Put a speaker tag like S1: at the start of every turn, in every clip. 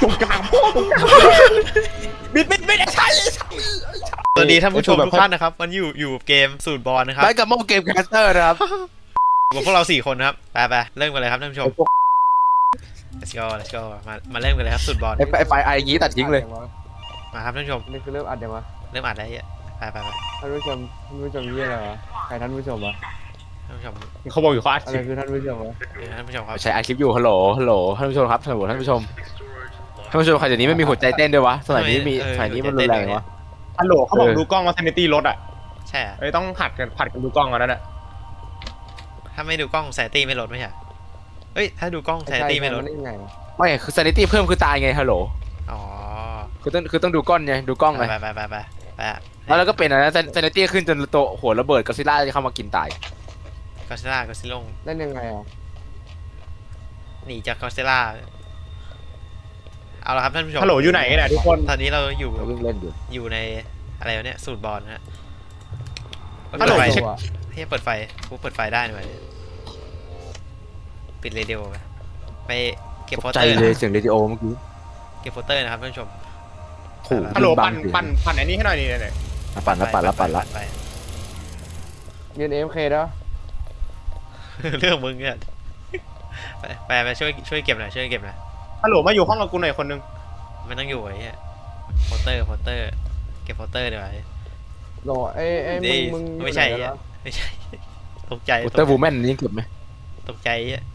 S1: ตรงกลางพ่อตรงกลางบิดไอ้ชัย
S2: สวัสดีท่านผู้ชมทุกท่านนะครับวันอยู่เกมสูตรบอลนะครับ
S3: ไปกับโมเกมแคสเตอร์นะครับ
S2: กับพวกเรา4คนนะครับไปเริ่มกันเลยครับท่านผู้ชม let's go มาเริ่มกันเลยครับสูตรบอล
S3: ไฟไอ้งี้ตัดทิ้งเลย
S2: มาครับท่านผู้ชม
S1: นี่คือเริ่มอัดยังวะ
S2: เริ่มอัดแล้วเนี่ยไป
S1: ท่านผู้ชมยี่อะไรวะใครท่านผู้ชมวะ
S2: ท่านผู้ชม
S4: เขาบอกอยู่เขาอัด
S1: อะ
S4: ค
S1: ไร
S4: ลิป
S1: คือท่านผู้ชมวะ
S2: ท่านผู้ชมครับ
S3: ใช้ไอคลิปอยู่ฮัลโหลท่านผู้ชมครับท่านผู้ชมใครเดี๋ยวนี้ไม่มีหัวใจเต้นด้วยวะสมัยนี้มันรุนแรงวะ
S4: ฮัลโหลเขาบอกดูกล้องว่าเซนิตี้ลดอ่ะ
S2: ใช่อะ
S4: เอ้ยต้องผัดกันดูกล้องกันนั่นแหละ
S2: ถ้าไม่ดูกล้องแซนตี้ไม่ลดไม่ใช่เฮ้ยถ้าดูกล้องแซนตี้ไม่ลด
S1: ได้ยังไง
S3: ไม่คือซานิตี้เพิ่มคือตายไงฮัลโหล
S2: อ๋อ
S3: คือต้องดูกล้องไงดูกล้องไง
S2: ไป
S3: แล้วก็เป็นอะไรนะซานิตี้ขึ้นจนตัวหัวระเบิดก็ซิล่าจะเข้ามากินตาย
S2: ก็ซิล่าก็ซิลง
S1: เล่นยังไงอ่ะ
S2: หนีจากก็ซิล่าเอาละครับท่านผู้ชม
S4: ฮัลโหลอยู่ไหนกันเนี่ยทุกคน
S2: ตอนนี้เราอยู่
S3: เราวิ่งเล่นอยู่
S2: อยู่ในอะไรวะเนี่ยสูตรบอลนะฮะ
S4: ฮัลโหล
S2: เปิดไฟ
S4: เช็ค
S2: เฮ้ยเปิดไฟกูเปิดไฟได้นี่หว่าปิดเรดิโอไปเก็บโปส
S3: ใจ
S2: เตอร์
S3: เลยเสียงเรดิโอเมื่อกี้
S2: เก็บโปสเตอร์นะครับท่านผู้ชม
S3: ถูก
S4: ฮัลโหลปั่นอันนี้ให้หน่อยนี่เนี่ย
S3: ปั่นละ
S2: ไป
S1: ยืนเอ็มเคแล้ว
S2: เรื่องมึงเนี่ยไปช่วยเก็บหน่อยช่วยเก็บหน่อย
S4: ฮัลโหลมาอยู่ห้องกับกูหน่อยคนนึง
S2: มันต้องอยู่ไอ้เหี้ยโปสเตอร์เก็บโปสเตอร์เดี๋ยวไว้
S1: โหลเอ้มึง
S2: ไม่ใช่ไม่ใช่ตกใจ
S3: อุตเตอร์วูแมนนี่เก็บไหม
S2: ตกใจอ่ะ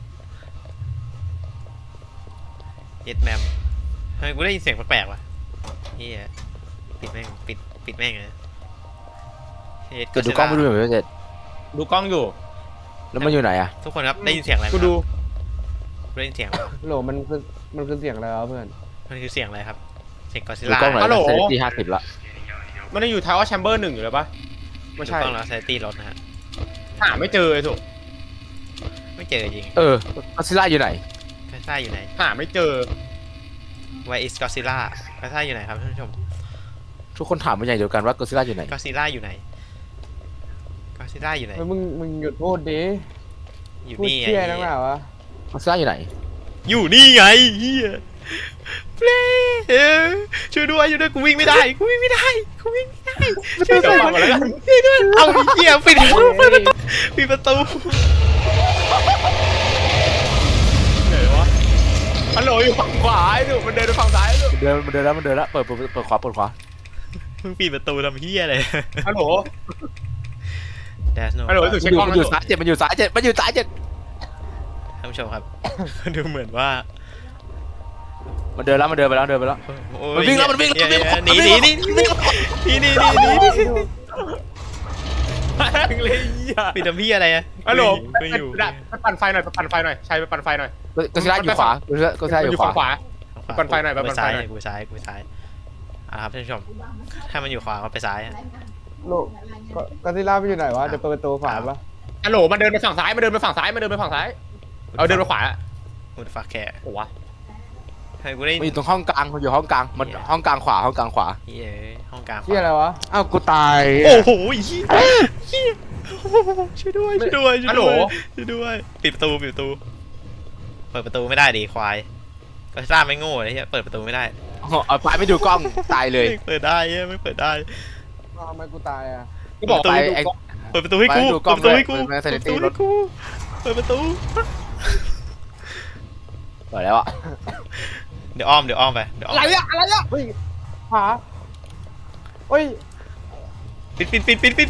S2: เย็ดแมมทำไมกูได้ยินเสียงแปลกๆวะเฮียปิดแม่งเลย
S3: เกิดดูกล้องไม่ดูเหมือนเจ็ด
S4: ดูกล้องอยู่
S3: แล้วมันอยู่ไหนอะ
S2: ทุกคนครับได้ยินเสียงอะไรไหม
S4: กูดู
S2: ได้ยินเสียง
S1: โหลมันคือเสียงอะไรวะเพื่อน
S2: มันคือเสียงอะไรครับเสียงกอซิ
S3: ดู
S2: ล่าก
S3: ล้องหน่อยซานิตี้50ละ
S4: มันได้อยู่ทาวเวอร์แชมเบอร์1อยู่เลยปะไม่ใช่
S2: ถูกต้องแล้วไซตี้รถนะฮะ
S4: หาไม่เจอไอ้ถูก
S2: ไม่เจอจริง
S3: ก็ซิล่าอยู่ไหน
S2: กอซิล่าอยู่ไหน
S4: หาไม่เจอ
S2: Where is Godzilla กอซิล่าอยู่ไหนครับท่านผู้ชม
S3: ทุกคนถามเป็นอย่างเดียวกันว่าก็ซิล่าอยู่ไหน
S2: กอซิล่าอยู่ไหนกอซิล่าอยู่ไหน
S1: มึงหยุดพูดดิ
S2: อยู่
S1: พูด
S2: นี่ไง
S1: เชี่ยนักหนาวะ
S3: ก็ซิล่าอยู่ไหน
S2: อยู่นี่ไงเฮียเปลช่วยด้วยกูวิ่งไม่ได้ช่วยด้วย
S4: เดี๋ยวฟังก่อนแล้วกัน
S2: ช่วยด้วยเอาเฮียปิดประตู
S4: ไหนวะฮัลโหลอยู่ฝั่งขวาไอ้ถูกมันเดินไปฝั่งซ้ายลูก
S3: มันเดินแล้วเปิดขวา
S2: มึงปิดประตูทำเฮียอะไร
S4: ฮัลโหล
S2: There's no
S4: ฮัลโหลถูกเช็คกล้อง
S3: มัน
S4: นะ
S3: อยู่ซ้ายเจ็ดมันอยู่ซ้ายเจ็ด
S2: ท่านผู้ชมครับ ดูเหมือนว่า
S3: มันเดินไปแล้ว มันวิ่งแล้วมันวิ่ง
S2: หนี
S4: เลยอ่ะ
S2: ปิดทำพี่อะไรอะ
S4: ฮัลโหล
S2: ไม่อยู่
S4: ไปปั่นไฟหน่อยใช้ไปปั่นไฟหน่อย
S3: ก็ซิล่าอยู่ขวาก็ซิล่าอยู่ข
S4: ฝั่งข
S3: วาว
S4: า ปั่นไฟหน่อยไปปั่นไฟหน่อย
S2: กูซ้ายครับท่านผู้ชมถ้ามันอยู่ขวาก็ไปซ้าย
S1: โหลก็ซิล่าไปอยู่ไหนวะจะเปิดประตูฝาปะ
S4: ฮัลโหลมันเดินไปฝั่งซ้ายเอาเดินไปฝั่งซ้ายไปขวา
S2: กูฟักแค่
S4: โอ้วะ
S2: ให้กูได้
S3: มันอยู่ตรงห้องกลางมันอยู่ห้องกลางมันห้องกลางขวา
S2: เฮียห้องกลาง
S1: เชี่ยอะไรวะ
S3: อ้าวกูตาย
S2: โอ้โหเฮียช่วยด้วยปิดประตูเปิดประตูไม่ได้ดิควายก็ซ่าไม่โง่เลยเฮียเปิดประตูไม่ได้
S3: เอาไปไม่ดูกล้องตายเลย
S2: เปิดได้เฮียไม่เปิดได้
S1: ทำไมกูตายอ่ะ
S4: ก็บอก
S3: ไป
S2: เปิดประตูให้กู
S3: ไปดูกล้องด้วยไป Sanity รถ
S2: เปิดประตู
S3: เปิดแล้วอะ
S2: เดี๋ยวอ้อมไป
S4: อะไรอะ
S1: เฮ้ยฝาเฮ้ย
S2: ปิด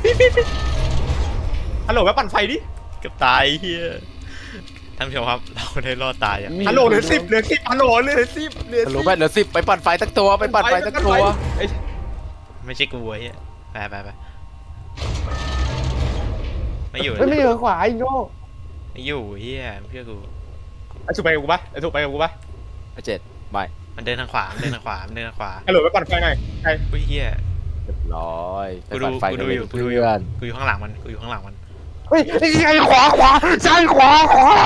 S4: ฮัลโหลไปปั่นไฟดิ
S2: เกือบตายเฮียท่านผู้ชมครับเราได้รอดตายอ่ะ
S4: ฮัลโหลเหลือ10ฮัลโหลเหลือ10
S3: ฮัลโหลไปเหลือ10ไปปั่นไฟตั้งตัวไปปั่นไฟตั้งตัว
S2: ไม่ใช่กูเฮียไปไม่อยู่
S1: ไม่เหลือขวาอีกโง่
S2: ไม่อยู่เฮียเชื่อกู
S4: ไอ้ถูกไปกับกูปะไอ้ถูกไปกับกูปะ
S3: เจ็ดไม่
S2: มันเดินทางขวา
S4: ฮัลโหลไปปั่นไฟหน่อยใคร
S2: อุ้ยเฮีย
S3: เรียบร้อยไป
S2: กูดู
S3: ปั่นไฟกันเลย
S2: กู
S3: เพื่
S2: ดูอยู่
S3: อน
S2: กูอยู่ข้างหลังมัน
S1: เฮ้ยใช่ขวาใช่ขวา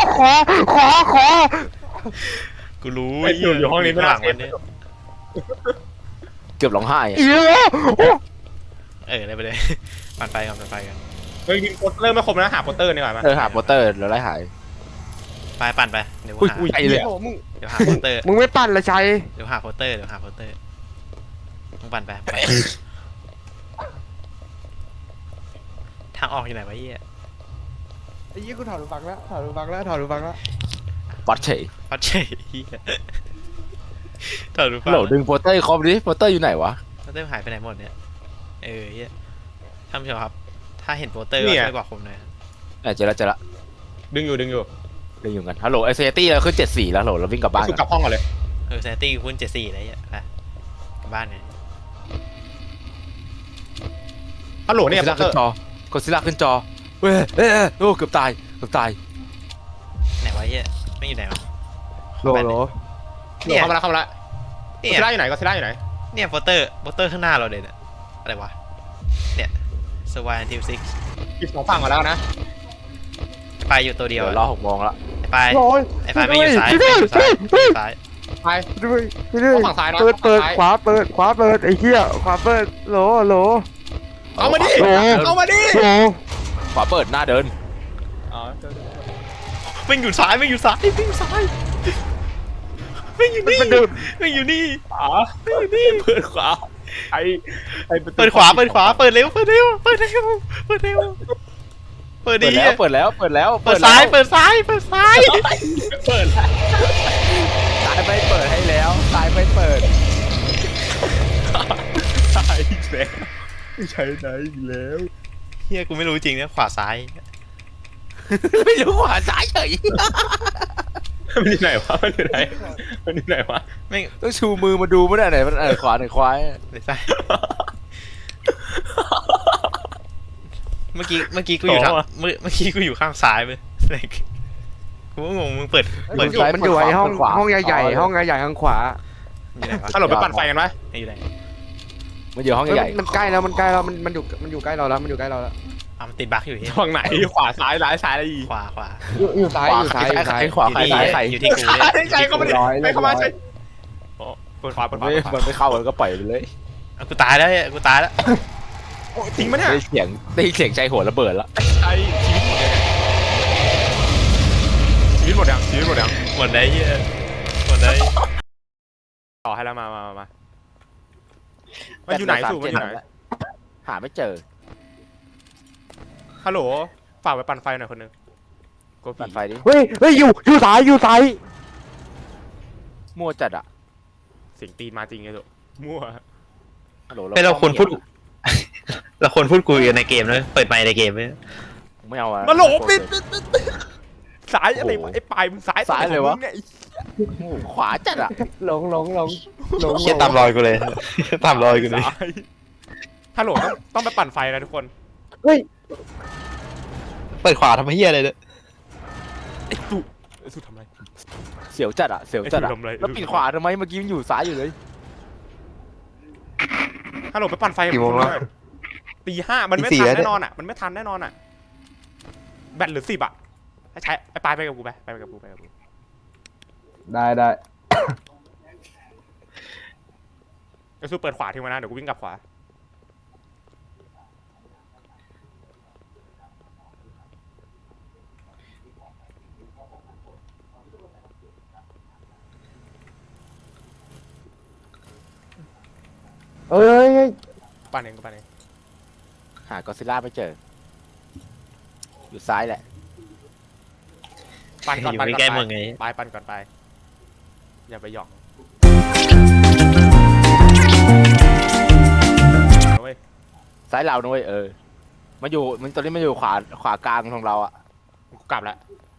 S2: กูรู้
S4: ไอ้อยู่ห้องนี้ไม่
S2: ข้างห
S4: น่า
S2: ลัง
S4: เสี
S2: มัน
S4: ย
S2: เนี่ย
S3: เกือบร้องไห้อะ
S2: ได้ไปเลย ปั่นไฟกัน
S4: เฮ้ยยิงโปสเตอร์ไม่ครบนะหาโปสเตอร์ดีกว่ามั้ย
S3: หาโปสเตอร์แล้วไล่หาย
S2: ไปปั่นไปเดี๋ยว
S3: อุ้ย
S2: หา
S3: อุ้ยไอ้เลย
S4: โอ้มึง
S2: เดี๋ยวหาโปสเตอร์
S3: มึงไม่ปั่นละชัย
S2: เดี๋ยวหาโปสเตอร์มึงปั่นไปทางออกอยู่ไหนวะเหี้ย
S1: ไอ้ยี่กูถอดหูฟังแล้วถอดหูฟังแล้วถอดหูฟังแล้ว
S3: ปัดเฉย
S2: พัดเฉยเหี้ยถอดรูป
S3: โหลดึงโปสเตอร์คอมดิโปสเตอร์อยู่ไหนวะ
S2: โปสเตอร์หายไปไหนหมดเนี่ยเหี้ยท่านผู้ชมครับถ้าเห็นโปสเตอร์ก็ช่วยบอกผมหน่อย
S3: เจอละ
S4: ดึงอยู่
S3: ดึงอยู่กันฮัลโหลไอเซตี้เราขึ้น74แล้วฮัลโหลเราวิ่งกลับบ้าน
S4: สุกลับห้องก่อนเลย
S2: แซนตี้คุณ74อะไรเงี้ยไปกลับบ้านไง
S4: ฮัลโหลเนี่ย
S3: กดซิล่าขึ้นจอกดซิล่าขึ้นจอเว้ยโอ้เกือบตาย
S2: ไหนวะเหี้ยไม่อยู่ไหนวะ
S1: โหล
S2: เนี่ย
S4: เข้ามาแล้วก็
S2: เนี่
S4: ซิล่าอยู่ไหนก็ซิล่าอยู่ไหน
S2: เนี่ยโปสเตอร์ข้างหน้าเราเลยเนี่ยอะไรวะเนี่ยสวายทีมซิก
S4: อีก2ฝั่งก่อนแล้วนะ
S2: ไปอยู่ตัวเดี
S3: เดี๋
S2: ย
S3: ยว วรอ6 โมงละ
S2: ไป
S1: โหล
S2: ไอ้ไฟไม่อยู่ซ้ายไม่อยู่ซ้ายไม่อยู่ซ้าย
S4: ไป
S1: ด้วยด้วย
S4: ฝั่งซ้ายนะ
S1: เปิด
S4: ฝั่งซ้าย
S1: ขวาเปิดไอ้เหี้ยขวาเปิดโหล
S4: เอามาดิ
S1: โอ้
S4: เอามาดิ
S1: โห
S3: ขวาเปิดหน้าเดิน
S4: อ๋อ
S2: ไม่อยู่ซ้ายไม่อยู่ซ้ายไม่อยู่นี่ไม่อยู่นี่
S4: อ๋อเปิดขวาไอ้
S2: เปิดขวาเปิดเร็วเปิดดี
S3: เปิดแล้ว
S2: เปิดซ้ายเปิดซ้าย
S4: เปิด
S3: ซ้ายไม่เปิดให้แล้วซ้ายไม่เปิด
S4: ใช่แล้วใช่ไหนอีกแล้ว
S2: เฮียกูไม่รู้จริงนะขวาซ้าย
S3: ไม่รู้ขวาซ้ายเฉย
S4: มันอยู่ไหนวะมันอยู่ไหนวะ
S2: ไม่
S3: ต้องชูมือมาดูไม่ได้ไหนมันขวาไหนควาย
S2: เลยซ้ายเมื่อกี้กูอยู่ทางเมื่อกี้กูอยู่ข้างซ้ายไปกูก็งงมึงเปิด
S1: มันอยู่ไอ้ห้องใหญ่ห้องใหญ่ข้างขวา
S2: อยู่ไหนวะ
S4: ฮัลโหลไปปั่นไฟกันไหม
S2: อยู่ไหน
S3: มันอยู่ห้องใหญ่
S1: มันใกล้แล้วมันอยู่ใกล้เราแล้วมันอยู่ใกล้เราแล้ว
S2: มันติดบั๊กอยู่ที่
S4: ฝั่งไหนขวาซ้ายซ้ายอะไรอีก
S2: ขวา
S1: อยู่ซ้าย
S3: ขวาใครซ้ายใคร
S2: อยู่ที่กูเนี่ย
S4: ใช่เข้ามาดิไปเข้ามาใช่เปิดขวา
S3: มันไม่เข้ามันก็ปล่อยไปเลย
S2: กูตายแล้ว
S4: จริงปะเนี่ย
S3: ได้เสียงใจหัวระเบิดแล้ว
S4: ไอ้ชีวิตหมดยัง
S2: หมดได้เฮียหมดได้
S4: ต่อให้แล้วมามันอยู่ไหนสู่มันอยู่ไหน
S3: หาไม่เจอ
S4: ฮัลโหลฝากไปปั่นไฟหน่อยคนนึงโก
S3: ปั่นไฟดิ
S1: เฮ้ยอยู่ซ้าย
S3: มั่วจัดอ่ะ
S4: เสียงตีนมาจริงไงลูกมั่ว
S3: ฮัลโหล
S2: เราควรพูดคุยกันในเกมเลยเปิดไมค์ในเกมเลย
S3: ไม่เอาอะ
S4: มาโหลปิดสายอะไรวะไอ้ปลายมึงสายเนี่ย
S3: ขวาจัดอ่ะ
S1: หลง
S2: เชี่ยตามรอยกูเลยตามรอยกูเลย
S4: ฮัลโหลต้องไปปั่นไฟนะทุกคน
S1: เฮ้ย
S2: เปิดขวาทำเฮียอะไรเนี่ย
S4: ไอ้สุทำไร
S3: เสียวจัดอ่ะแล้วปิดขวาทำไมเมื่อกี้มันอยู่ซ้ายอยู่เลย
S4: ฮัลโหลไปปั่นไฟกี่โมงแล้วตี 5มันไม่ทันแน่นอนอ่ะมันไม่ทันแน่นอนอ่ะแบตเหลือ10อ่ะให้ใช้ไอ้ปลายไปกับกูไปกับกู
S1: ได้
S4: ไอ้สุเปิดขวาทิ้งไว้นะเดี๋ยวกูวิ่งกลับขวา
S1: เอ้ย
S4: ปั่นเอง
S3: หากอซิล่าไม่เจอ อยู่ซ้ายแหละ
S4: ปั่นก่อน
S2: อยู่ใกล้ๆมึงไง
S4: ไปปั่นก่อนไปอย่าไปหยอกเว้ย
S3: ซ้ายเราด้วยมันตอนนี้มันอยู่ขวากลางของเราอ่ะ
S4: กูกลับแล้ว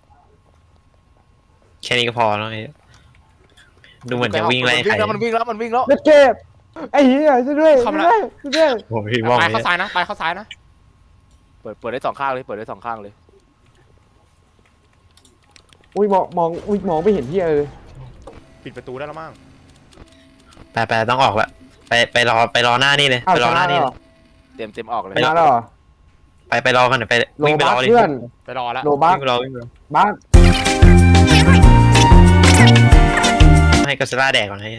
S2: แค่นี้ก็พอแล้วไอ้ดูเหมือนจะวิ่งไล่ใคร
S3: มันวิ่งแล้ว
S1: เล็ดเก็บไอ้เหี้ยช่วยด้วย
S2: โอ้ยมอง
S4: ไป
S2: เลย
S4: เข้าซ้ายนะไปเข้าซ้ายนะ
S3: เปิดได้สองข้างเลย
S1: อุ้ยมองไม่เห็นเหี้ยเลย
S4: ปิดประตูได้แล้วมั้ง
S2: ไปต้องออกละไปรอหน้านี่เลยไปรอหน้านี่เลย
S3: เต็มออกเลย
S1: ไปแล้วเหรอ
S2: ไปรอกันไป
S1: โล
S2: วิ่งไป
S1: บั
S2: ร
S1: ก
S2: อเลย
S1: เพื่อน
S4: ไปรอแล้ว
S1: โลบัก
S2: วิ่งไปรอวิ่งไปรอ
S1: บัก
S2: ให้กัสล่าแดกก่อนให้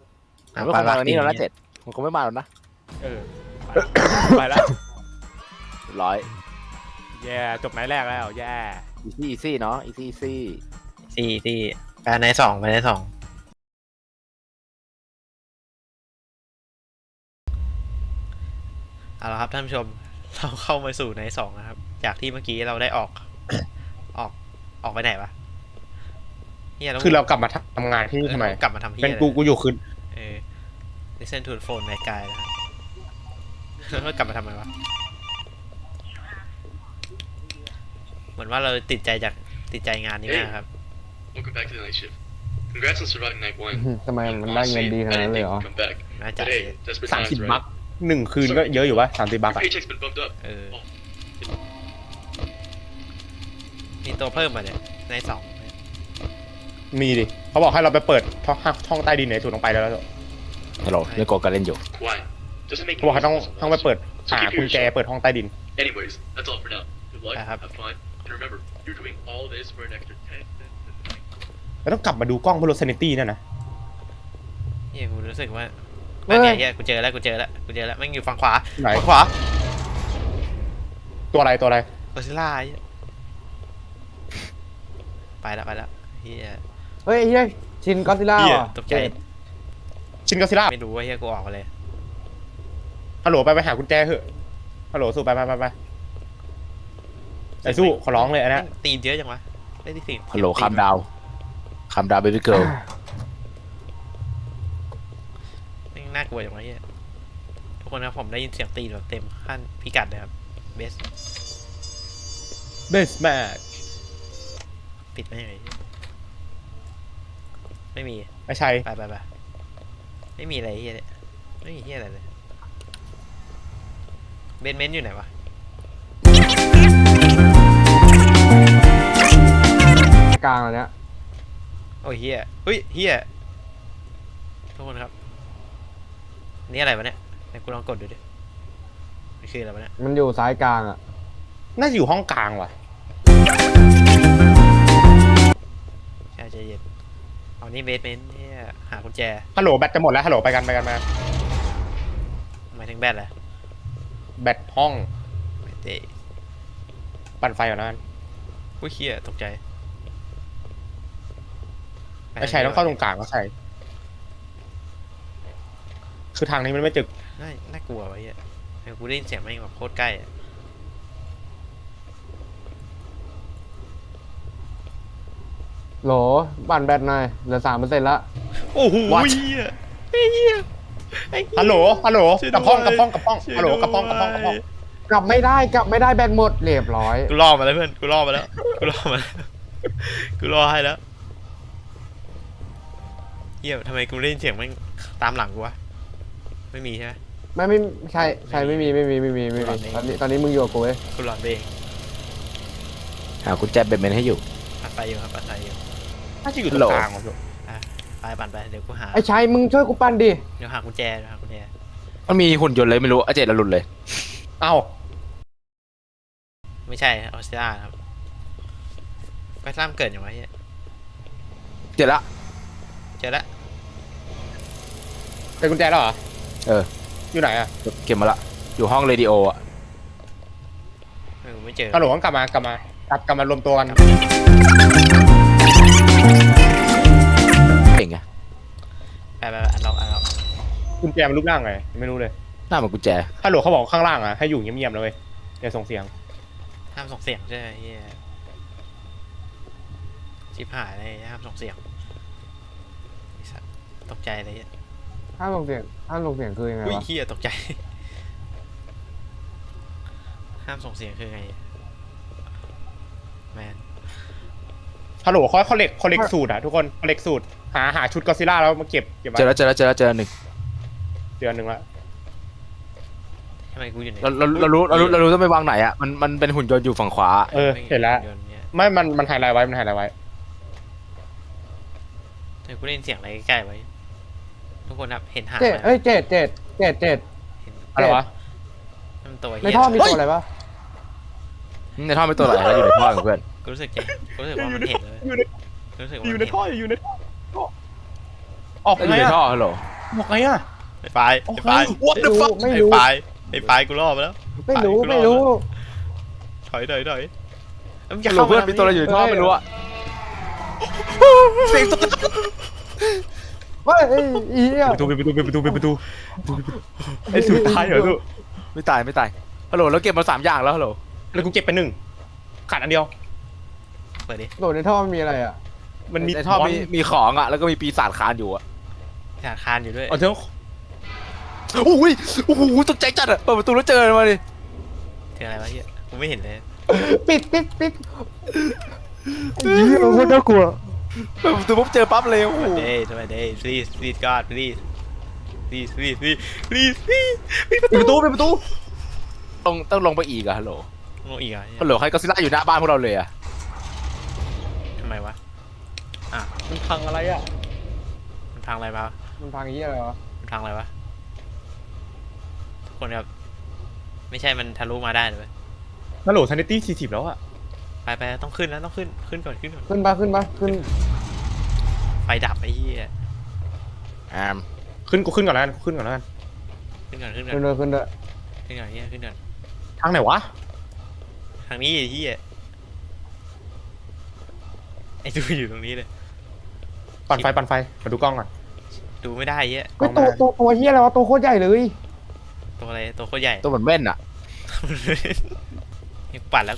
S3: มันไม่มาวันนี้เราละ7มันคงไม่มาหรอกนะ
S4: ไปแล้ว
S3: ร้อย
S4: แย่จบไหนแรกแล้วแย่
S3: อีซี่เนาะอีซี่
S2: ที่ไปในสองไปในสองเอาละครับท่านผู้ชมเราเข้ามาสู่ในสองนะครับ จากที่เมื่อกี้เราได้ออก ออกออกไปไหนวะเฮียแล้ว
S4: คือเรากลับมาทำงานที่นี่ทำไม
S2: กลับมาทำเฮีย
S4: เป็นกูอยู่คืน
S2: listen to the phone ในกายนะครับแล้วกลับมาทำไมวะเหมือนว่าเราติดใจงานนี้มากครับ
S5: Welcome back to the night shift. Congrats on surviving night one.
S1: ทำไมมันได้เงินดีขนาดนั้นเลยเหรอ
S5: Come back.
S2: น่าจะ
S5: Today, desperate
S4: 30
S5: times,
S4: บัค
S5: right?
S4: 1 คืนก็เยอะอยู่วะ30 บัค
S5: Your
S4: อะ
S5: paycheck's been bumped up.
S2: มีตัวเพิ่มมาเนี่ยในสอง
S4: มีดิเขาบอกให้เราไปเปิดช่องใต้ดินไหนสุดลงไปแล้ว
S3: ฮัลโหลเล่นโกกันเล่นอยู่
S5: Why? Doesn't make
S4: เขาบอกให้
S5: any
S4: ต้อง
S5: sense.
S4: ไปเปิด
S5: So
S4: หา
S5: keep
S4: กุ
S5: your
S4: ญแจ
S5: shit.
S4: เปิดห้องใต้ดิน
S5: Anyways, that's all for now. Good luck.
S2: I have-
S5: Have fun. And remember, you're doing all this for an extra 10 cents.
S4: แล้วต้องกลับมาดูกล้องเพื่อลดเซนิตี้นั่นนะ
S2: เฮียกูรู้สึกว่า
S1: เฮ้
S2: นั่
S1: ย
S2: นไงเฮียกูเจอแล้วแม่งอยู่ฝั่งขวา
S4: ไหน
S2: ฝั่งขวา
S4: ตัวอะไร
S2: เออร์ซิล่าเหี้ยไปแล้วเฮีย
S1: เฮ้ยเฮียชินก็อดซิลล่า
S2: เฮีย
S1: ว่ะ
S2: ตกใจ
S4: ชินก็ซิล่า
S2: ไม่รู้ว่าเฮียกูออกมาเลย
S4: ฮัลโหลไปหากุญแจเถอะฮัลโหลสู้ไปไอ้สู้ขอร้องเลยอันนี้
S2: ตีนเยอะจังวะได้ที่สี่
S3: ฮัลโหลคำดาวเบบี้เกิร์ล
S2: แม่งน่ากลัวจังวะเฮียทุกคนครับผมได้ยินเสียงตีนแบบเต็มขั้นพิกัดเลยครับเบส
S4: เบสแมท
S2: ปิดไม่ไหนไม่มี
S4: ไม่ใช่
S2: ไปไม่มีอะไรเฮียเนี่ยไม่มีเฮียอะไรเลยเบนเมนต์อยู่ไหนวะ
S1: กลางอันเนี้ย
S2: โอ้ยเฮียเฮ้ยเฮียทุกคนครับนี่อะไรวะเนี่ยไหนกูลองกดดูดิมันคืออะไรวะเนี่ย
S1: มันอยู่ซ้ายกลางอ่ะ
S4: น่าจะอยู่ห้องกลางว่ะ
S2: ใช่ใจเย็นเอานี่เบสเมนต์เฮียหากุญแจ
S4: ฮัลโหลแบตจะหมดแล้วฮัลโหลไปกันมา
S2: หมายถึงแบตแหละ
S4: แบตห้อง
S2: ไม่เตะ
S4: ปั่นไฟก่อนนะ
S2: อุ้ยเฮียตกใจ
S4: ไม่ใช่ต้องเข้าตรงกลางก็ใช่คือทางนี้มันไม่จึก
S2: น่ากลัววะเฮียกูได้ยินเสียงแม่งแบบโคตรใกล้อะ
S1: โหลบั่นแบตหน่อยเหลือ3%ละ
S2: โอ้โห
S3: What?
S2: เฮียไอ้เฮียไอ้เหี้ย
S4: ฮัลโหล
S2: ช่วย
S4: กับห้อง
S2: ด้วย ช่วย
S4: ฮัลโหล
S2: ด้วย
S4: กับห้อง
S1: กลับไม่ได้แบตหมดเรียบร้อย
S2: กูล่อมาแล้วเพื่อนกูล่อมาแล้วกูล่อให้แล้วเฮียทำไมกูได้ยินเสียงแม่งตามหลังกูวะไม่มีใช่ไหม
S1: ไม่ใช่ไม่มีตอนนี้มึงอยู่กับกูเว้ย
S2: กูหลอนไปเอง
S3: หากุญแจเบนเมนให้อยู่
S2: ปัดไฟอยู่ครับปัดไฟอยู่
S4: น่าจะอยู่ตรงกลางว่ะ
S2: ไปปั่นไปเดี๋ยวกูหา
S1: ไอ้ชัยมึงช่วยกูปั้นดิ
S2: เดี๋ยวหากุญแจ
S3: มันมีหุ่นยนต์เลยไม่รู้อาเจตละหลุดเลย
S4: เอ้า
S2: ไม่ใช่ออสเตรเลียครับไปสร้างเกิดอย่างไรเฮีย
S3: เจอละ
S2: เจอแล้ว
S4: เป็นกุญแจแล้วเหรอ
S3: เออ
S4: อยู่ไหนอะ
S3: เก็บมาละอยู่ห้องเรดิโออ่ะ
S2: ไม่เจอ
S4: ฮัลโหลต้องกลับมารวมตัวกัน
S3: เก่งไง
S2: ไปอันล็อก
S4: กุญแจมันรูปร่างไงไม่รู้เลย
S3: หน้าเหมือนกุญแจ
S4: ฮัลโหลเขาบอกข้างล่างอะให้อยู่เงียบๆนะเว้ยอย่าส่งเสียง
S2: ห้ามส่งเสียงใช่ไหมเฮียชิบหายเลยห้ามส่งเสียงไอ้สัสตกใจเลยเฮีย
S1: ห้ามลงเสียงคือยังไง
S2: อุ้ยว
S1: ะ
S2: เฮียตกใจห้ามส่งเสียงคือไงแมน
S4: ฮัลโหลเขาเล็กสูตรอะทุกคนเขาเล็กสูตรหาชุดก็อดซิลล่าแล้วมาเก็บไว้
S3: เจอแล้วหนึ่ง
S4: เดือนหนึ่งละ
S2: ทำไมกูอยู่ไหน
S3: เรารู้ต้องไปวางไหนอ่ะมันเป็นหุ่นยนต์อยู่ฝั่งขวา
S4: เห็นแล้ว ไม่มันไฮไลท์ไว้
S2: แต่กูได้ยินเสียงอะไรใกล้ๆไว้ ทุกคนครับเห็นหาง
S1: เจ็ด
S2: ไหม
S1: เอ้ยเจ็ด
S2: เห็น
S4: อะไรวะ
S2: นั่นมันตัว
S1: ใน
S2: เฮีย
S1: ท่อมีตัวอะไรปะ
S3: ในท่อไม่ตัวไหนแล้วอยู่ในท่อของเพื่อน
S2: กูรู้สึกว่ามันเห็นเลยรู้สึกว่า
S4: อยู่
S2: มัน
S4: ใน
S2: เห็น
S4: ท่อออก
S3: อยู่
S4: ไง
S3: ใน
S4: อะ
S3: ท่อฮัลโหล
S4: ออกไงอะ
S2: ไอ้ปลาย
S4: What the fuck
S1: ไม่รู้
S2: ไอ้ปลายกูล่อมาแล้ว
S1: ไม่รู้
S2: อยมึง
S3: ฮั
S2: จะ
S3: ลโหล
S2: เข้า
S3: เพื่อน
S2: มา
S3: มีตัวอะไรอยู่ในท่อไม่รู้อะเสียงตัว
S1: เฮ้ยไอ้เหี้ย
S4: ปิดประตูไอ้สุดท้ายเหรอลูก
S3: ไม่ตายฮัลโหลแล้วเก็บมา3 อย่างแล้วฮัลโหล
S4: แล้วกูเก็บไป1ขาดอันเดียว
S2: เปิดดิ
S1: โดดในท่อมันมีอะไรอ่ะ
S4: มันมี
S3: ในท่อมีของอะแล้วก็มีปีศาจคานอยู่อะ
S2: ธนาคารอยู่ด้วย
S4: เอาเถอะ
S3: โอ้โหตกใจจัดอะเปิดประตูแล้วเจอมาดิ
S2: เจออะไรวะเฮียกูไม่เห็นเลย
S1: ปิดเหี้ยโคตรน่ากลัว
S3: เปิดประตูปุ๊บเจอปั๊บเลยโอ้โห
S2: สวัสดี please God please
S4: ปิดประตู
S3: ต้องลงไปอีกอะฮัลโหล
S2: งงอีกอ่ะ
S3: ฮัลโหลใครก็ซิล่าอยู่หน้าบ้านพวกเราเลยอะ
S2: ทำไมวะ
S4: มันพังอะไรอ่ะ
S2: มันพังอะไรมา
S1: มันพังเหี้ยอะไรวะ
S2: มันพังอะไรวะทุกคนครับไม่ใช่มันทะลุมาได้เลย
S4: ฮัลโหลทันตี้40แล้วอ่ะ
S2: ไปต้องขึ้นแล้วต้องขึ้นก่อน
S1: ขึ้นขึ้น
S2: ไฟดับไอ้เหี้ย
S4: ขึ้นก่อนแล้วกันขึ้นก่อน
S2: ขึ้นก่อน
S1: ขึ้นเลย
S2: เหี้ยขึ้นก่อน
S4: ทางไหนวะ
S2: ทางนี้ไอ้เหี้ยไอ้ดูอยู่ตรงนี้เลย
S4: ปั่นไฟมาดูกล้องก่อน
S2: ดูไม่ได้เหี้ย
S1: ก็ตัวเหี้ยอะไรวะตัวโคตรใหญ่เลย
S2: ตัวอะไรตัวโคตรใหญ่
S3: ตัวเหมือนแว่นอะ
S2: ปั่นแล้ว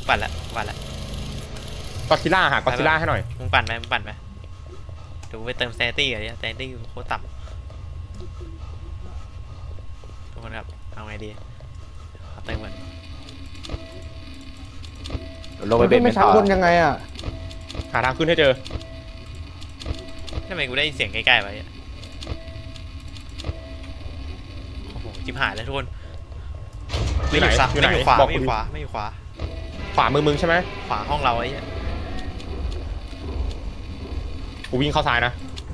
S4: ก็อดซิลล่าหากอดซิลล่าให้หน่อย
S2: มึงปั่นไหมเดี๋ยวกูไปเติมแซนตี้ก่อนเนี่ยแซนตี้โคตรต่ำทุกคนครับเอาไงดีขอเติมก่อน
S3: ลงไป
S1: มัน
S3: เบ็
S1: ขึ้
S3: ด
S1: นไป
S3: ไม่
S1: ชั้น
S3: ต่อบ
S1: นยังไงอ่ะ
S4: หาทางขึ้นให้เจอ
S2: ทำไมกูได้ยินเสียงใกล้ๆวะเนี่ยโอ้โหจิบหายแล้วทุกคน
S4: อยู่ไหน
S2: ไม่อยู่ขวา
S4: บอก
S2: ไม่
S4: กู
S2: อยู่
S4: ดิ
S2: ขวาไม่อยู่ขวา
S4: ขวามือมึงใช่ไหม
S2: ขวาห้องเราไอ้เนี่ย
S4: กูวิ่งเข้าซ้ายนะ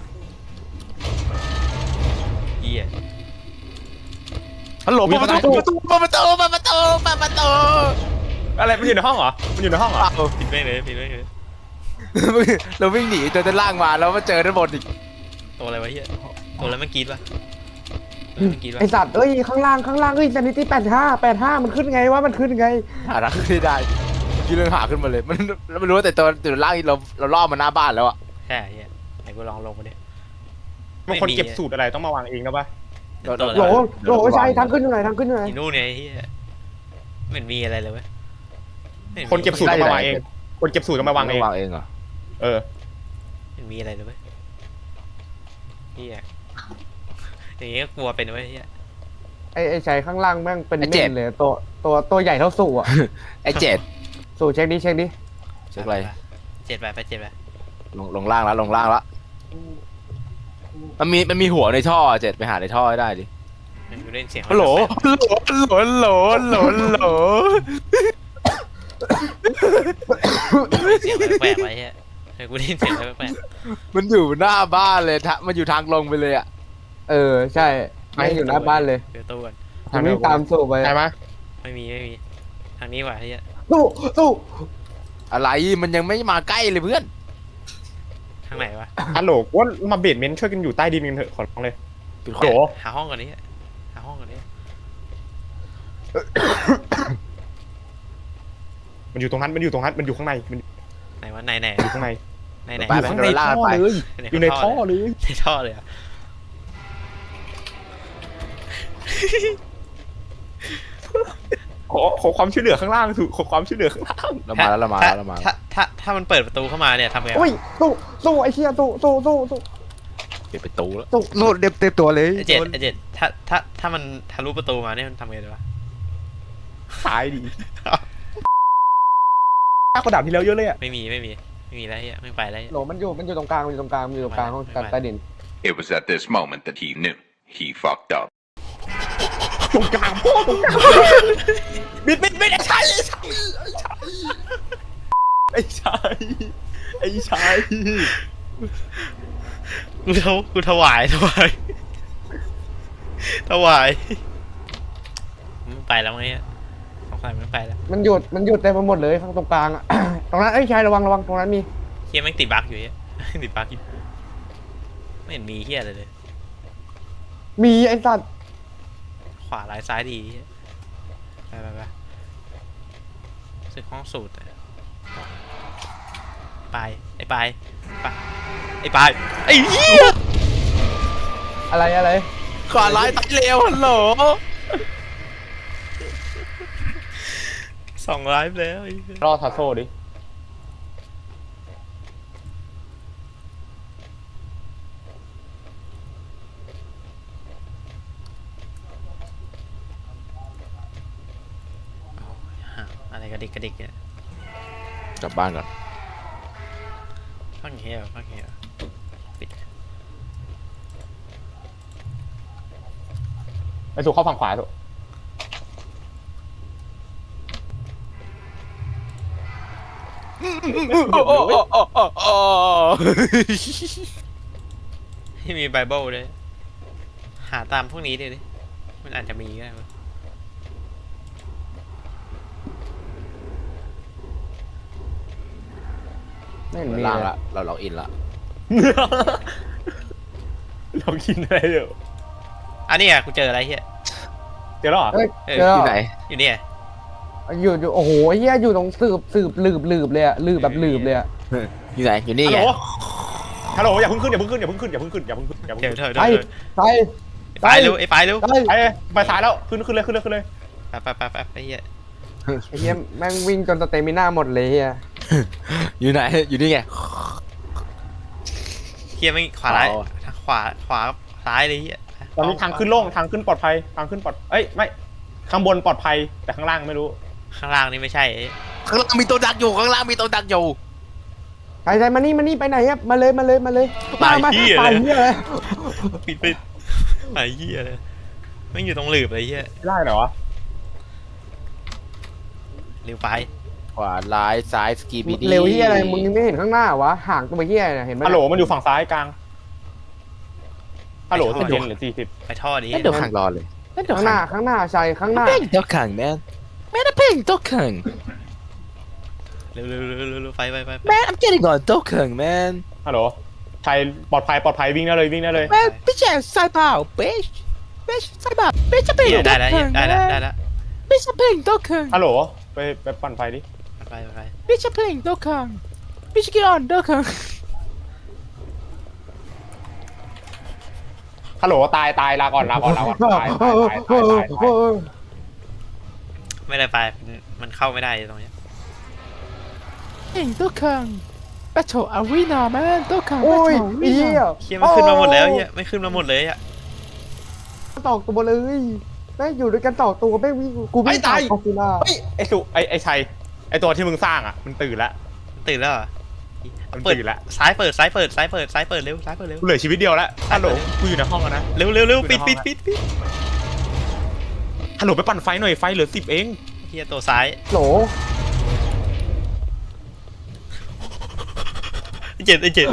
S2: เหี้ย
S3: ฮัลโหลเปิดประตู
S4: อะไรมันอยู่ในห้องเหรอมันอยู่ในห้องเหรอ
S2: ปิดไม่เลย
S3: เราวิ่งหนีจนด้านล่างมาแล้วมาเจอด้านบนอีก
S2: ตัวอะไรวะเหี้ยตัวอะไรเมื่อกี้ปะ
S1: ไอสัตว์ข้างล่างเอ้ย sanity 85มันขึ้นไงวะมันขึ้นไง
S3: หาทางขึ้นไม่ได้กี่เรื่องหาขึ้นมาเลยมันไม่รู้แต่ตัวล่างเราล่อมาหน้าบ้านแล้วอะ
S2: ใช่เหี้ยไหนกูลองลงมาดิ
S4: บางคนเก็บสูตรอะไรต้องมาวางเองนะปะ
S1: โหลใช่ทางขึ้นอยู่ไหน
S2: อีนู่นเนี่ยไอ้เหี้ยไม่เห็นมีอะไรเลยเว้ยไม่ห็
S4: คนเก็บสูตรต้องมาวางเองคนเก็บสูตรต้องมาวางเอง
S3: วางเองเหรอ
S4: เออ
S2: ไม่เห็นมีอะไรเลยเว้ยเหี้ยอย่างงี้ก็กลัวเป็นเว้ยเหี้ย
S1: ไอ้ชายข้างล่างแม่งเป็นเม่นเลยตัวใหญ่เท่าสู่อ่ะ
S3: ไอ้เจ็ด
S1: สู่เช็คดิ
S3: เช็คอะไร
S2: เจ็ดไป
S3: ลงล่างแล้วมันมีหัวในท่อเจ็ดไปหาในท่อให้ได้ดิ
S2: กูได้ยินเสียง
S3: ฮัลโหล
S2: เสียงแปลกๆไว้เหี้ยกูได้ยินเสียงแปลก
S3: มันอยู่หน้าบ้านเลยมันอยู่ทางลงไปเลยอะ
S1: ใช่ไม่อยู่หน้าบ้านเลย
S2: เดี๋ยวตู้ก่อน
S1: มันวิ่งตามสู่ไป
S4: ใช่ไหม
S2: ไม่มีทางนี้ว่ะเหี้ย
S1: สู่
S3: อะไรมันยังไม่มาใกล้เลยเพื่อน
S2: ทางไหนวะ
S4: ฮัลโหลว่ามาเบดเมนต์ช่วยกันอยู่ใต้ดินกันเถอะขอร้องเลย
S3: ปิด
S4: ฮัลโหล
S2: หาห้องก่อนดิหาห้องก่อนดิ
S4: มันอยู่ตรงนั้นมันอยู่ข้างในมัน
S2: ไหนวะไหน
S4: อยู่ข้างใน
S2: ไหน
S3: ไปข้างในท่อเลย
S4: อยู่ในท่อเลย
S2: ในท่อเลยอะ
S4: ขอความช่วยเหลือข้างล่างถูกขอความช่วยเหลือข้างล่าง
S3: เรามาแล้ว
S2: ถ้ามันเปิดประตูเข้ามาเนี่ยทำไง
S1: โอ้ยสู่ไอ้เหี้ยสู่
S3: ปิดประตูแล้ว
S1: สู่เด็บตัวเลย
S2: ไอเจ็ดถ้ามันทะลุประตูมาเนี่ยมันทำไงดีวะ
S4: ตายดิยากกว่าดาบที่แล้วเยอะเลยอ่ะ
S2: ไม่มีแล้วเหี้ยไม่ไปแล้วเหี้ย
S1: โหลมันอยู่ตรงกลางห้องการใต้ดิน
S6: It was at this moment that he knew he fucked up.
S4: ตรงกลางพ่อตรงกลางบิดไอ้ชายไอ้ชาย
S2: กูถวายมันไปแล้วไงเนี่ยสงสัยมันไปแล้ว
S1: มันหยุดเต็มไปหมดเลยข้างตรงกลางอ่ะ ตรงนั้นชายระวังตรงนั้นมี
S2: เฮียแม่งติดบั๊กอยู่เฮีย ติดบั๊กอยู่ไม่เห็นมีเฮียอะไรเลย
S1: มีไอ้สัตว์
S2: ขวาซ้ายดีเหี้ยไปสึกห้องสูตรอะปลายไอ้ปลายไอ้ปลายไอ้เหี้ย
S1: อะไร
S3: ขวาร้ายตายเร็วฮัลโหล
S2: 2 ไลฟ์แล้วไอ้เหี้ย
S4: รอทัสโซ่ดิ
S2: ฮะอะไรกระดิกเนี่ย
S3: กลับบ้านก่อน
S2: ฟังเฮียปิด
S4: ไปสู่เข้าฝั่งขวาสุ
S2: ที่มีไบเบิลด้วยหาตามพวกนี้ดิมันอาจจะมีก็ได้มั้ง
S1: ไม่เห็นมี
S3: ล่าง
S1: เลย
S3: ละเราล็อกอินละ
S4: เรากินอะไรเดี๋ยว
S2: อันนี้อ่ะกูเจออะไรเฮีย
S4: เจอแล้วเหรอ
S1: เฮ้ย
S2: เออ
S1: เจอ
S3: ที่ไหน
S2: อยู่เนี่ย
S1: อยู่โอ้โหเฮียอยู่ตรงสืบหลืบเลยอะหลืบแบบหลืบเลยอะ
S3: อยู่ไหนอยู่นี่
S4: ฮัล
S3: ไง
S4: โหลฮัลโหลอย่าเพิ่งขึ้น
S2: เจอ
S1: ไป
S2: ไอ้ปลายเร็วไอ้ปลายเร็ว
S1: ไป
S4: ไปซ้ายแล้วขึ้นเลย
S2: ไปไอ้เฮีย
S1: ไอ้เฮียแม่งวิ่งจนสเตมิน่าหมดเลยเฮีย
S3: อยู่ไหนอยู่นี่ไง
S2: เฮียไม่ขวาร้ายขวาซ้ายเลยเฮีย
S4: ตอนนี้ทางขึ้นโล่งทางขึ้นปลอดภัยเอ้ยไม่ข้างบนปลอดภัยแต่ข้างล่างไม่รู้
S2: ข้างล่างนี่ไม่ใช่
S3: ข้างล่างมีตัวดักอยู่ข้างล่างมีตัวดักอยู่
S1: ใครมานี่ไปไหนอะมาเลยมาไปเฮียเลย
S2: ปิดไอ้เฮียเลยไม่อยู่ตรงหลืบเลยเฮีย
S4: ไม่ได้เหรอวะ
S2: เร็วไป
S3: ขวาร้ายซ้ายสกีบีดี
S1: เร็วเฮียอะไรมึงยังไม่เห็นข้างหน้าวะห่างตัวเฮียเนี่ยเห็นไหม
S4: ฮัลโหลมันอยู่ฝั่งซ้ายกลางฮัลโหล10 หรือ
S2: ไปท่อดี
S3: นั่นเดี๋ยวขังรอเลยนั่นเดี๋ยว
S1: ข้างหน้าชัยข้างหน้า
S3: เพ่งตัวขังแมนแมนเพ่งตัวขัง
S2: เร็วไป
S3: แมน I'm getting on ตัวขังแมน
S4: 40ฮัลโหลชัยปลอดภัยวิ่งได้เลย
S3: แมนพี่แจ๊สายเปล่าเบชสายเปล่าเบชจะเพ่งตัว
S2: ได้แล้ว
S3: ขัง
S2: ได้แล้ว
S3: เบชจะเพ่งตัวขัง
S4: ฮัลโหลไปปั่นไฟดิ
S2: ไป
S3: เบชจะเพ่งตัวขังเบช get on ตัวขัง
S4: ฮัลโหลตายลาก่อนตาย
S2: ไม่ได้ไปมันเข้าไม่ได้ตรงนี้
S3: เพ่งตัวขัง Battle Arena แมนตัวขัง
S1: โอ้ย
S3: Battle
S1: เฮีย
S3: Arena
S2: เฮียไม่ขึ้นมาหมดแล้วเฮียไม่ขึ้นมาหมดเลยอ่ะ
S1: ตอกตัวเลยแม่งอยู่ด้วยกันตอกตัวแม่งวิ่งกูไม่ตายคอฟิล่า
S4: เฮ้ยไอ้ชัยไอ้ตัวที่มึงสร้างอ่ะมันตื่นแล้ว
S2: ตื่นแล้วเหรอ
S4: มัน
S2: เปิด
S4: ตื่นแล้ว
S2: ซ้ายเปิดเร็วซ้ายเปิดเร็ว
S4: กูเหลือชีวิตเดียวแล้วฮัลโหลกูอยู่ในห้องแล้วนะ
S2: เร็วปิด
S4: ฮัลโหลไปปั่นไฟหน่อยไฟเหลือ10เอง
S2: เฮียตัวซ้าย
S1: โหล
S2: เจ็ด
S1: เฮ้ย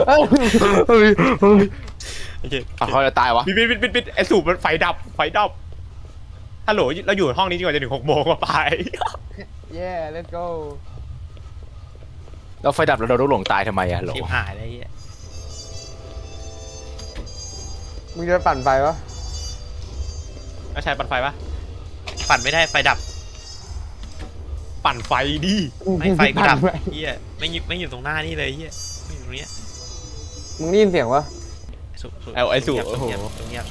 S3: เขาจะตายวะ
S4: ปิดไอ้สูบมันไฟดับฮัลโหลเราอยู่ห้องนี้จนกว่าจะถึง6 โมงไป
S1: yeah let's go
S3: เราไฟดับแล้วเราต้องหลงตายทำไมอะหลง
S2: ชิบหายเลยเฮีย
S1: มึงจะปั่นไฟปะ
S4: แล้วชัยปั่นไฟปะ
S2: ปั่นไม่ได้ไฟดับ
S4: ปั่นไฟดิ
S2: ไม่ไฟกูดับเฮียไม่อยู่ตรงหน้านี่เลยเฮียไม่อยู่ตรงเนี้ย
S1: มึงได้ยินเสียงวะ
S4: ไอ้สู
S2: เงียบตรงเงียบ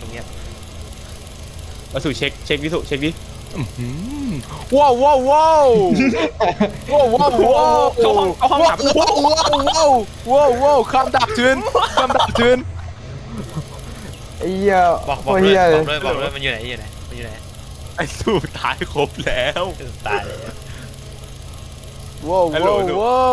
S4: มาสู่เช็ควิสุเช็คดิ
S3: ว้าวว้าวว้าวว้าวว้าวว้าว
S4: เข้าห้องดับ
S3: ว้าวว้าวว้าวว้าวว้าวคำดับทืน
S1: ไอ้เหี้ย
S2: บอก
S1: โคตรเหี้ยเลย
S2: มันอยู่ไหน
S4: ไอ้สูตายครบแล้ว
S2: ตายเลย
S3: ว้าวว้าวว้าว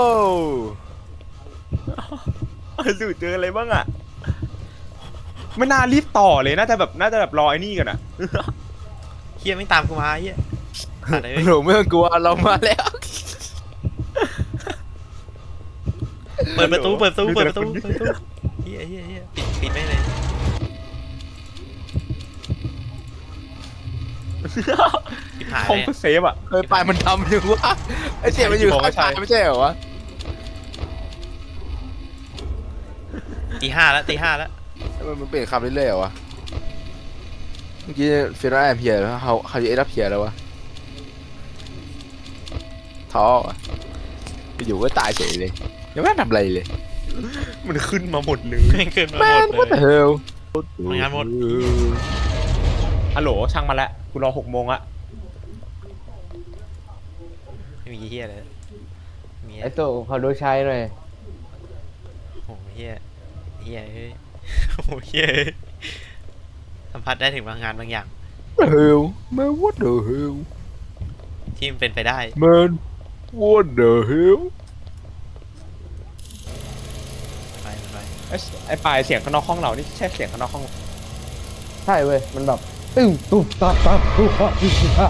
S4: ไอ้สูเจออะไรบ้างอ่ะไม่น่ารีบต่อเลยน่าจะแบบรอไอ้นี่กันอ่ะ
S2: เฮียไม่ตามกูมาเฮีย
S3: หนูไม่ต้องกลัวเรามาแล้ว
S2: เปิดประตูเฮียปิดไม่เลยปิดหาย
S4: ห้อง
S2: เลย
S4: เซฟอ่ะ
S3: เฮ้ยปลายมันทำอยู่วะไอ้เสียมันอยู่ข้างปลายไม่ใช่เหรอวะ
S2: ตีห้าแล้ว
S3: มันเปลี่ยนคำเรื่อยๆเหรอวะเมื่อกี้เฟรนแอมเพียร์แล้วเขาจะเอ็ดอัพเพียร์แล้ววะทท้อว่ะอยู่ก็ตายเฉยเลยยังไม่ทำอะไรเลย
S4: มันขึ้นมาหมดเลย
S2: ไม่ขึ้นมา
S3: แม่
S2: หม
S3: ง
S2: ด
S3: ว่า
S2: เล
S3: แต่
S2: ย
S3: เฮล
S2: ทำงานหมด
S4: ฮัลโหลช่างมาแล้วกูรอ6 โมงอะ
S2: ไม่มีเฮียเลยมี
S1: ไอ้ตัวขอดูใช้หน่อย
S2: โอ้โหเฮียเฮียเฮ้ยโอ้โหเฮียเฮ้ยสัมผัสได้ถึงพลังงานบางอย่าง
S3: เฮลแม่งว่าเดอะเฮล
S2: ที่มันเป็นไปได้
S3: แม่งว่าเดอะเฮล
S2: ไป
S4: ไอ้ปลายเสียงข้างนอกห้องเรานี่ใช่เสียงข้างนอกห้อง
S1: ใช่เว้ยมันแบบตึ้งตุ๊บตับตับตุ๊บตับตุ๊บตับ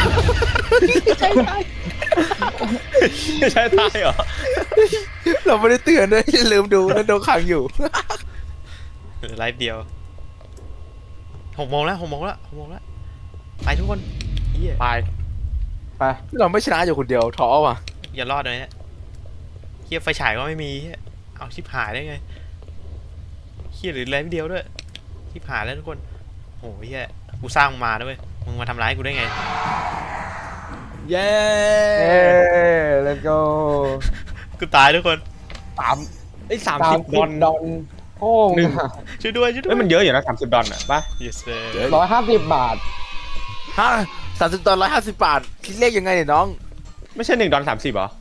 S4: ใช่ตายเหรอ
S3: เราไม่ได้เตือนนะอย่าลืมดูนะโดนขังอยู่
S2: เหลือไลฟ์เดียว6 โมงแล้วไปทุกคนเฮีย
S4: ปลาย
S1: ไป
S3: เราไม่ชนะอยู่คนเดียวท้อว่ะ
S2: อย่ารอดเลยเนี่ยเฮียไฟฉายก็ไม่มีเฮียเอาชิบหายได้ไงเฮียหรือไลฟ์เดียวด้วยชิบหายแล้วทุกคนโอ้โหเฮียกูสร้างมึงมาด้วยมึงมาทำร้ายกูได้ไง
S4: เย้
S1: เอ้ let's go
S2: กูตายทุกคน
S4: 30 ดอล
S1: ดอนโอ้ง
S2: ช่วยด้วย
S4: เอ้ยมันเยอะอยู่นะ30 ดอลอะป่ะ
S2: yes sir
S1: 150 บาท
S3: ฮะ$30 $150คิดเลขยังไงเนี่ยน้อง
S4: ไม่ใช่1 ดอล 30เหรอ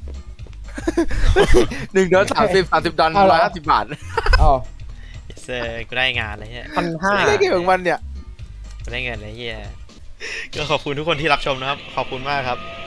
S3: $1 $30 $150
S1: อ๋อ
S2: yes sir กูได้งานเลยเฮีย
S4: 1,500
S3: เลขของมันเนี่ย
S2: กูได้เงินเลยเฮียก็ขอบคุณทุกคนที่รับชมนะครับขอบคุณมากครับ